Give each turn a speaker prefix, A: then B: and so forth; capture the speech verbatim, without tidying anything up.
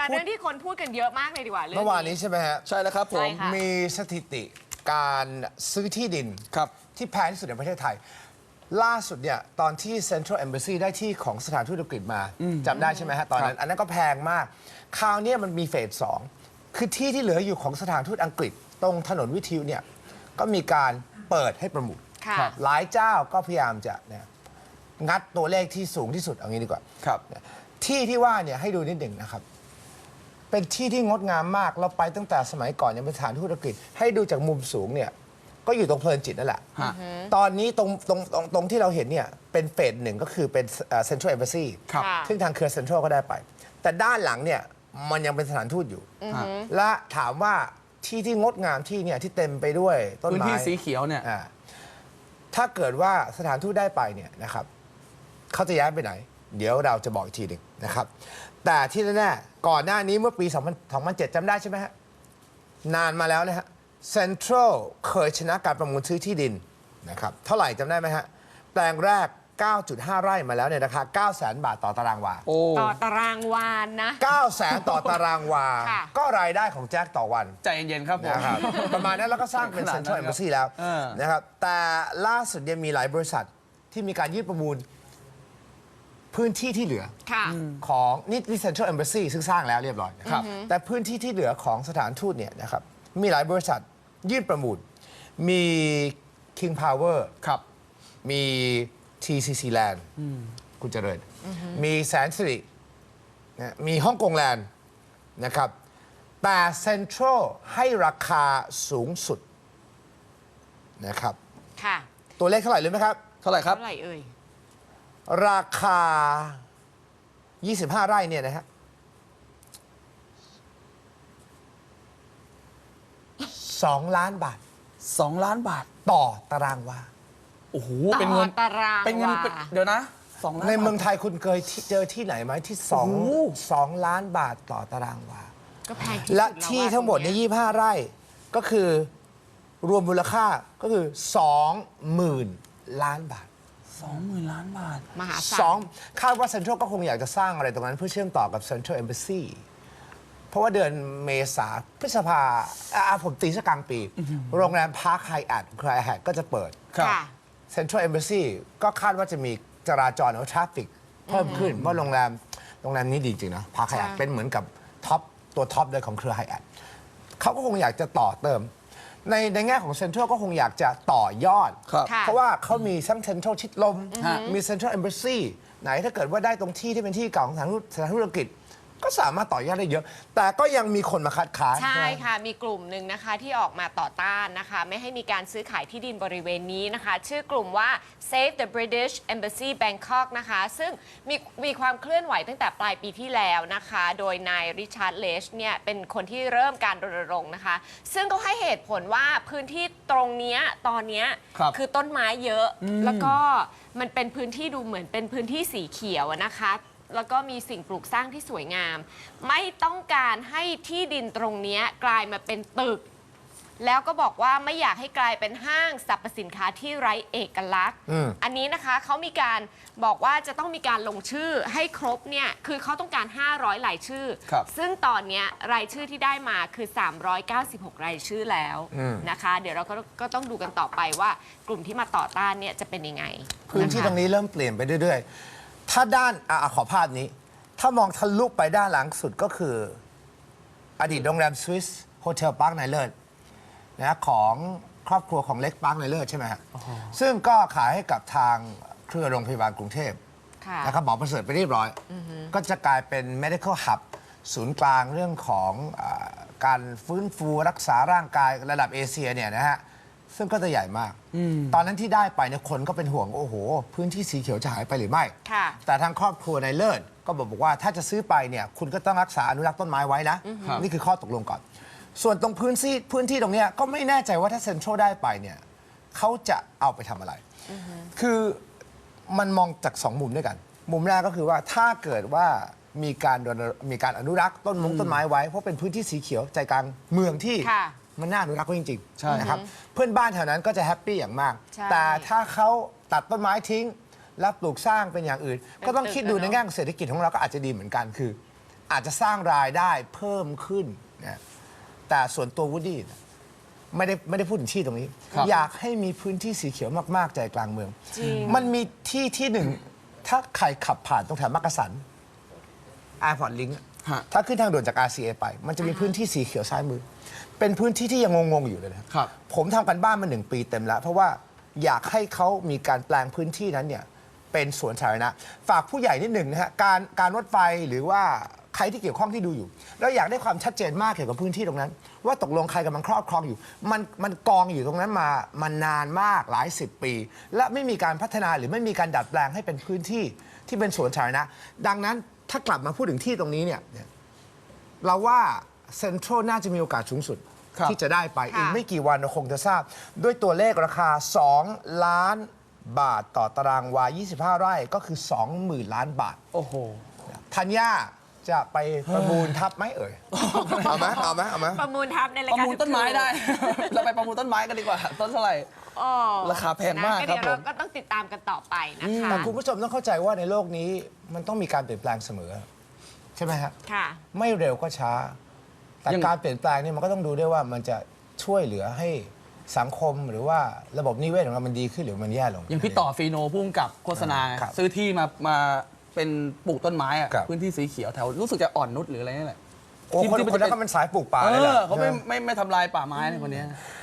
A: แต่เรื่องที่คนพูดกันเยอะมากเลยดีกว่าเรื่อง
B: เมื่อวานนี้ใช่ไหมฮะ
C: ใช่แล้วครับผม
B: มีสถิติการซื้อที่ดิน
C: ครับ
B: ที่แพงที่สุดในประเทศไทย ล่าสุดเนี่ยตอนที่ Central Embassy ได้ที่ของสถานทูตอังกฤษมาจำได้ใช่ไหมฮะตอนนั้นอันนั้นก็แพงมาก คราวนี้มันมีเฟสสองคือที่ที่เหลืออยู่ของสถานทูตอังกฤษ ตรงถนนวิทยุเนี่ยก็มีการเปิดให้ประมูล
A: ค่ะ
B: หลายเจ้าก็พยายามจะเนี่ยงัดตัวเลขที่สูงที่สุดเอางี้ดีกว่า
C: ครับ
B: ที่ที่ว่าเนี่ยให้ดูนิดหนึ่งนะครับ เป็นที่ที่งดงามมากเราไปตั้งแต่สมัยก่อนยังเป็นสถานทูตอังกฤษให้ดูจากมุมสูงเนี่ยก็อยู่ตรงเพลินจิตนั่นแหละ
C: ฮะ
B: ตอนนี้ตรงตรงตรงตรงที่เราเห็นเนี่ยเป็นเฟสหนึ่งก็คือเป็นเซ็นทรัลเอมบ s ซี
C: ครับ
A: ค่ะ
B: ซึ่งทางเครือเซ็นทรัลก็ได้ไป แต่ด้านหลังเนี่ยมันยังเป็นสถานทูตอยู่
C: ฮะ
B: และถามว่าที่ที่งดงามที่เนี่ยที่เต็มไปด้วยต้น
C: พื้น
B: ไม้
C: ที่สีเขียวเนี่ย
B: อ่าถ้าเกิดว่าสถานทูตได้ไปเนี่ยนะครับเขาจะย้ายไปไหน เดี๋ยวเราจะบอกอีกทีหนึ่งนะครับ แต่ที่แน่ๆก่อนหน้านี้เมื่อปีสองพันเจ็ดจำได้ใช่ไหมฮะ นานมาแล้วนะฮะเซ็นทรัลเคยชนะการประมูลซื้อที่ดินนะครับเท่าไหร่จำได้ไหมฮะ แปลงแรก เก้าจุดห้า ไร่มาแล้วในราคา เก้าแสน บาทต่อตารางวา
C: โอ้
A: ต่อตารางวานนะ
B: เก้าแสน ต่อตารางวา
A: ค่ะ
B: ก็รายได้ของแจ็คต่อวัน
C: ใจเย็นๆครับผม
B: นะครับ ประมาณนั้นแล้วก็สร้างเป็น
C: ขนาด
B: เซ็
C: นั้น
B: นทรัล
C: ครับ
B: เอมบ s ซีแล้ว
C: เออ
B: นะครับแต่ล่าสุดเนี่ยมีหลายบริษัทที่มีการยื่นประมูลพื้นที่ที่เหลือ
A: ค่ะ
B: ของนี่นี่เซ็นทรัลเอมบ s ซีซึ่งสร้างแล้วเรียบร้อยนะครับแต่พื้นที่ที่เหลือของสถานทูตเนี่ยนะครับมีหลายบริษัทยื่นประมูล มี King Power
C: ครับ
B: มี ที ซี ซี Land คุณเจริญ มีแสนสิรินะมีฮ่องกงแลนด์นะครับ แต่เซ็นทรัลให้ราคาสูงสุดนะครับ
A: ค่ะ
B: ตัวเลขเท่าไหร่รู้ไหมครับ
C: เท่าไหร่ครับ
A: เท่าไหร่เอ่ย
B: ราคา ยี่สิบห้า ไร่เนี่ยนะฮะสองล้านบาท
C: สอง ล้านบาท
B: ต่อตารางวา
C: โอ้โห
A: ต่อ
C: เป็นเงิน
A: ตาราง
C: เป็นเงิน
A: วา
C: เป็นเดี๋ยวนะสองล้าน
B: ในเมือง
C: บาท
B: ไทยคุณเคยที่เจอที่ไหนไหมที่สอง
C: โอ้โห
B: สองล้านบาทต่อตารางวา
A: ก็แพงที่สุด
B: และ
A: แล้ว
B: ที่
A: ว่า
B: ทั้งหมด
A: ตร
B: ใน
A: เนี้ย
B: ยี่สิบห้า ไร่ก็คือรวมมูลค่าก็คือสองหมื่นล้านบาท
C: สองหมื่นล้านบาท
A: มหาศา
B: สอง
A: ล
B: คาดว่าเซ็นทรัลก็คงอยากจะสร้างอะไรตรงนั้นเพื่อเชื่อมต่อกับเซ็นทรัลเอมบ s ซีเพราะว่าเดือนเมษาพฤษภาอ่าผมตีสักกลางปี โรงแรมพาร์คไฮแอทคลายแฮทก็จะเปิด
C: ครับ
A: ค่ะ
B: เซ็นทรัลเอมบ s ซีก็คาดว่าจะมีจราจรหรือทราฟฟิกเพิ่มขึ้นเพราะโรงแรมโรงแรมนี้ดีจริงนะพาร์คไฮแอท
A: ใช่
B: เป็นเหมือนกับท็อปตัวท็อปเลยของเครือไฮแอทเขาก็คงอยากจะต่อเติม ในในแง่ของเซ็นทรัลก็คงอยากจะต่อยอด
C: ครับ
A: ค่ะ
B: เพราะว่าเขามีทั้งเซ็นทรัลชิดลม
C: ฮะ
B: มีเซ็นทรัลเอมบ s ซีไหนถ้าเกิดว่าได้ตรงที่ที่เป็นที่เก่าของสถานทูตสถานทูตอังกฤษก็สามารถต่อยอดได้เยอะ แต่ก็ยังมีคนมาคัดค้าน
A: ใช่ค่ะ มีกลุ่มหนึ่งนะคะที่ออกมาต่อต้านนะคะ ไม่ให้มีการซื้อขายที่ดินบริเวณนี้นะคะ ชื่อกลุ่มว่า Save the British Embassy Bangkok นะคะ ซึ่งมีมีความเคลื่อนไหวตั้งแต่ปลายปีที่แล้วนะคะ โดยนายริชาร์ดเลชเนี่ยเป็นคนที่เริ่มการรณรงค์นะคะ ซึ่งก็ให้เหตุผลว่าพื้นที่ตรงเนี้ยตอนเนี้ย
C: ครับ
A: คือต้นไม้เยอะ แล้วก็มันเป็นพื้นที่ดูเหมือนเป็นพื้นที่สีเขียวอะนะคะ แล้วก็มีสิ่งปลูกสร้างที่สวยงาม ไม่ต้องการให้ที่ดินตรงเนี้ยกลายมาเป็นตึก แล้วก็บอกว่าไม่อยากให้กลายเป็นห้างสรรพสินค้าที่ไร้เอกลักษณ์
B: อืม
A: อันนี้นะคะเขามีการบอกว่าจะต้องมีการลงชื่อให้ครบเนี่ยคือเขาต้องการ ห้าร้อย รายชื่อ
C: ครับ
A: ซึ่งตอนเนี้ยรายชื่อที่ได้มาคือ สามร้อยเก้าสิบหก รายชื่อแล้วนะคะ เดี๋ยวเราก็ก็ต้องดูกันต่อไปว่ากลุ่มที่มาต่อต้านเนี่ยจะเป็นยังไง
B: พื้นที่
A: ะคะ
B: ตรงนี้เริ่มเปลี่ยนไปเรื่อยๆ ถ้าด้านอ่ะขอภาพนี้ ถ้ามองทะลุไปด้านหลังสุดก็คือ อดีตโรงแรมสวิสโฮเทลปาร์คไนเลิศนะของครอบครัวของเล็กปาร์คไนเลิศใช่ไหมฮะซึ่งก็ขายให้กับทางเครือโรงพยาบาลกรุงเทพ
A: ค่ะ
B: นะครับหมอประเสริฐไปเรียบร้อย ก็จะกลายเป็น medical hub ศูนย์กลางเรื่องของอาการฟื้นฟูรักษาร่างกายระดับเอเชียเนี่ยนะฮะ ซึ่งก็จะใหญ่มาก ตอนนั้นที่ได้ไปเนี่ยคนก็เป็นห่วง โอ้โห พื้นที่สีเขียวจะหายไปหรือไม่
A: ค่ะ
B: แต่ทางครอบครัวในเลิศก็บอกว่าถ้าจะซื้อไปเนี่ยคุณก็ต้องรักษาอนุรักษ์ต้นไม้ไว้นะ นี่คือข้อตกลงก่อน ส่วนตรงพื้นที่พื้นที่ตรงเนี้ยก็ไม่แน่ใจว่าถ้าเซ็นทรัลได้ไปเนี่ยเขาจะเอาไปทำอะไร คือมันมองจากสองมุมด้วยกัน มุมแรกก็คือว่าถ้าเกิดว่ามีการรณมีการอนุรักษ์ต้นมงต้นไม้ไว้เพราะเป็นพื้นที่สีเขียวใจกลางเมืองที่
A: ค่ะ
B: มันน่าอนุรักษ์ไว้จริง
C: ใช่
B: ๆนะครับเพื่อนบ้านแถวนั้นก็จะแฮปปี้อย่างมาก
A: ใช่
B: แต่ถ้าเขาตัดต้นไม้ทิ้ง แล้วปลูกสร้างเป็นอย่างอื่น ก็ต้องคิดดูในแง่ของเศรษฐกิจของเราก็อาจจะดีเหมือนกันคืออาจจะสร้างรายได้เพิ่มขึ้นนะแต่ส่วนตัววูดดี้ไม่ได้ไม่ได้พูดถึงที่ตรงนี้
C: ครับ
B: อยากให้มีพื้นที่สีเขียวมาก ๆ ใจกลางเมือง
A: จริง
B: มันมีที่ที่หนึ่ง ถ้าใครขับผ่านตรงแถวมักกะสัน Airport Link
C: ฮะ
B: ถ้าขึ้นทางด่วนจาก อาร์ ซี เอ ไป มันจะมีพื้นที่สีเขียวซ้ายมือ เป็นพื้นที่ที่ยังงง ๆ อยู่เลยนะครับ ผมทำกันบ้านมาหนึ่งปีเต็มแล้ว เพราะว่าอยากให้เขามีการแปลงพื้นที่นั้นเนี่ยเป็นสวนสาธารณะฝากผู้ใหญ่นิดหนึ่งนะฮะการการรถไฟหรือว่าใครที่เกี่ยวข้องที่ดูอยู่ แล้วอยากได้ความชัดเจนมากเกี่ยวกับพื้นที่ตรงนั้น ว่าตกลงใครกำลังครอบครองอยู่ มันมันกองอยู่ตรงนั้นมามานานมากหลายสิบปี และไม่มีการพัฒนาหรือไม่มีการดัดแปลงให้เป็นพื้นที่ที่เป็นสวนสาธารณะดังนั้นถ้ากลับมาพูดถึงที่ตรงนี้เนี่ยเราว่าเซ็นทรัลน่าจะมีโอกาสสูงสุด
C: ครับ
B: ที่จะได้ไป
A: ค่ะ
B: อีกไม่กี่วันเราคงจะทราบ ด้วยตัวเลขราคา สอง ล้านบาทต่อตารางวา ยี่สิบห้า ไร่ก็คือ สองหมื่น ล้านบาท
C: โอ้โห
B: ธัญญาจะไปประมูลทับไหมเอ่ย เอาไหมเอาไหมเอาไหม
A: ประมูลทับในราย
C: ประ
A: การ
C: มูลต้นไม้ได้ เราไปประมูลต้นไม้กันดีกว่า ต้นเท่าไหร่
A: อ๋อ
C: ราคาแพงมาก
A: นะ
C: ครับ
A: เดี๋ยวเรา
C: ผม
A: ก็ต้องติดตามกันต่อไปนะคะ
B: แต่คุณผู้ชมต้องเข้าใจว่าในโลกนี้มันต้องมีการเปลี่ยนแปลงเสมอ ใช่ไหมครับ
A: ค่ะ
B: ไม่เร็วก็ช้า แต่
C: ยัง
B: การเปลี่ยนแปลงนี่มันก็ต้องดูด้วยว่ามันจะช่วยเหลือให้สังคมหรือว่าระบบนิเวศของเรามันดีขึ้นหรือมันแย่ลง
C: อย่างพี่ต่อฟีโนพุ่งกับโฆษณา
B: ครับ
C: ซื้อที่มามาเป็นปลูกต้นไม้อะ
B: ครับ
C: พื้นที่สีเขียวแถวรู้สึกจะอ่อนนุชหรืออะไรนี่แหละ
B: โอ้คน
C: ที่
B: คนนั้นก็มันสายปลูกป่า
C: เอ
B: เลยแหละ
C: อเขาไม่ไม่ไม่ทำลายป่าไม้ในคนเนี้ย